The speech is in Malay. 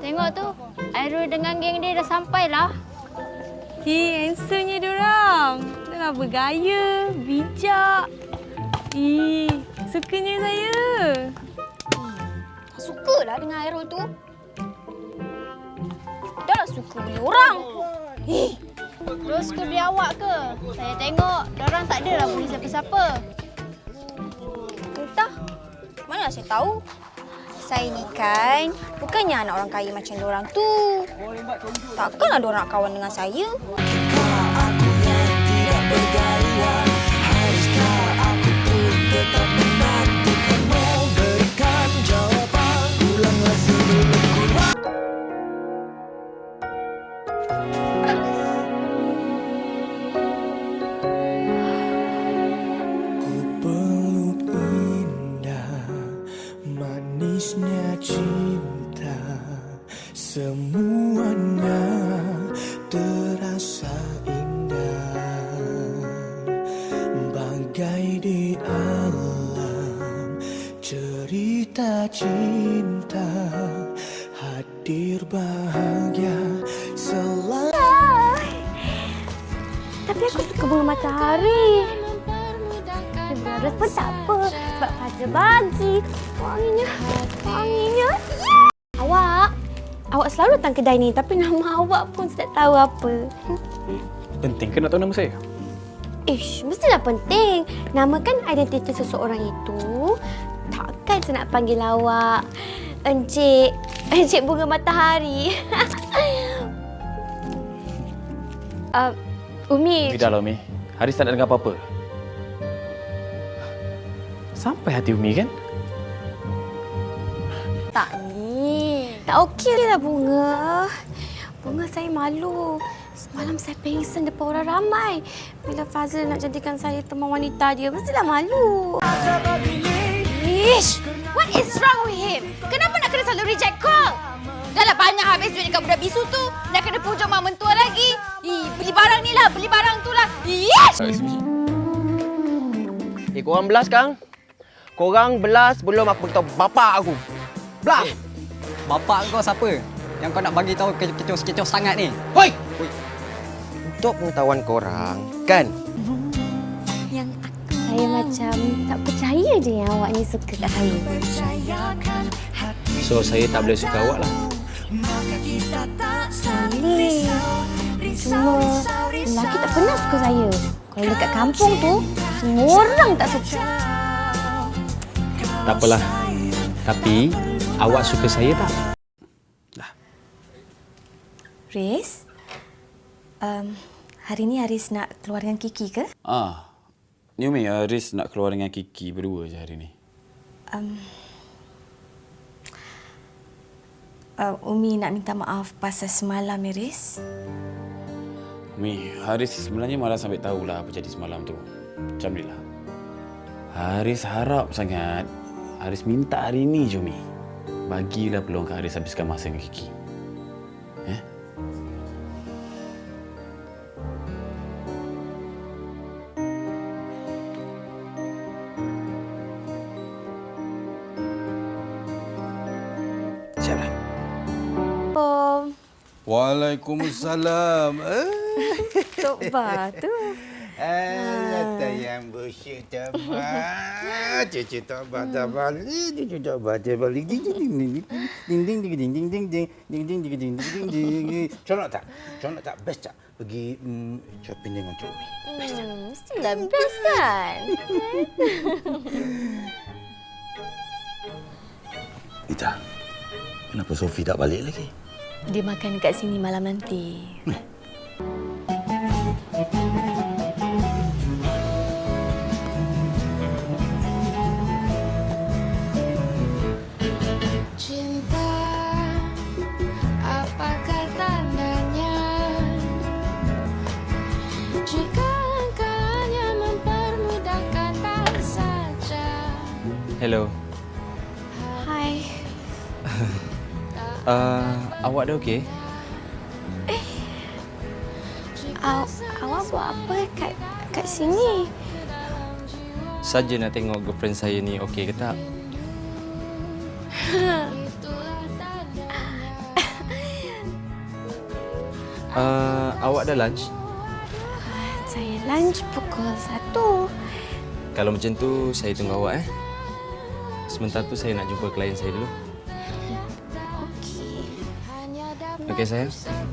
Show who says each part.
Speaker 1: Tengok tu, Airul dengan geng dia dah sampai lah.
Speaker 2: Handsome-nya diorang. Dah bergaya, bijak. Sukanya saya.
Speaker 1: Sukalah dengan Airul tu. Dah suka beli orang. Terus suka beli awak ke? Saya tengok, diorang tak adalah beli siapa-siapa.
Speaker 3: Entah. Mana saya tahu? Saya ni kan bukannya anak orang kaya macam diorang tu. Takkanlah diorang nak kawan dengan saya.
Speaker 4: Manisnya cinta, semuanya terasa indah, bagai di alam cerita cinta, hadir bahagia selalu.
Speaker 2: Tapi aku suka bunga matahari. Beres pun tak apa. Sebab Fazal bagi. Wanginya. Awak selalu datang kedai ni. Tapi nama awak pun saya tak tahu apa.
Speaker 5: Penting ke nak tahu nama saya?
Speaker 2: Mestilah penting. Nama kan identiti seseorang itu. Takkan saya nak panggil awak Encik Bunga Matahari. Umi.
Speaker 5: Tidaklah, Umi. Haris tak nak dengar apa-apa. Sampai hati Umi, kan?
Speaker 2: Tak ni. Tak okeylah Bunga. Bunga saya malu. Semalam saya pengsan depan orang ramai. Bila Fazil nak jadikan saya teman wanita dia, mestilah malu.
Speaker 1: What is wrong with him? Kenapa nak kena selalu reject call? Dah lah banyak habis duit dekat budak bisu tu. Nak kena pujuk mak mentua lagi. Beli barang ni lah, beli barang tu lah.
Speaker 6: Korang belas, Kang? Korang belas belum aku beritahu bapak aku. Belas!
Speaker 7: Bapak kau siapa? Yang kau nak bagi tahu kecoh-kecoh sangat ni?
Speaker 6: Hoi! Untuk pengetahuan korang, kan?
Speaker 2: Saya macam tak percaya je yang awak ni suka kat saya.
Speaker 5: So, saya tak boleh suka awak lah.
Speaker 2: Boleh. Cuma lelaki tak pernah suka saya. Kalau dekat kampung tu, semua orang tak suka.
Speaker 5: Tak apalah. Tapi, awak suka saya tak?
Speaker 3: Riz, hari ni Haris nak keluar dengan Kiki ke?
Speaker 8: Ni Umi, Haris nak keluar dengan Kiki berdua je hari ni.
Speaker 3: Umi nak minta maaf pasal semalam ni, Riz.
Speaker 8: Umi, Haris sebenarnya malah sampai tahulah apa jadi semalam tu. Macam ni lah. Haris harap sangat. Haris minta hari ni je, Umi. Bagilah peluang ke Haris habiskan masa dengan Kiki.
Speaker 5: Siaplah.
Speaker 9: Waalaikumsalam.
Speaker 2: Tok Ba tu.
Speaker 9: Yang bersyuk tabah. Cucu tabah tabah. Cucu tabah tabah. Ding ding ding ding ding ding ding ding ding ding ding ding ding ding ding ding. Conok tak? Conok tak? Best tak? Pergi shopping dengan Cik Umi. Best tak?
Speaker 2: Mestilah best kan?
Speaker 9: Ita, kenapa Sophie tak balik lagi?
Speaker 2: Dia makan dekat sini malam nanti.
Speaker 1: Cinta, apakah tandanya? Jika engkau hanya mempermudahkan tak saja.
Speaker 5: Hello.
Speaker 2: Hai.
Speaker 5: Awak dah okey?
Speaker 2: Awak buat apa kat sini?
Speaker 10: Saja nak tengok girlfriend saya ni okey ke tak? Awak dah lunch?
Speaker 2: Saya lunch pukul 1.
Speaker 10: Kalau macam tu, saya tunggu awak Sementara tu saya nak jumpa klien saya dulu.
Speaker 2: Okey.
Speaker 10: Okey sayang?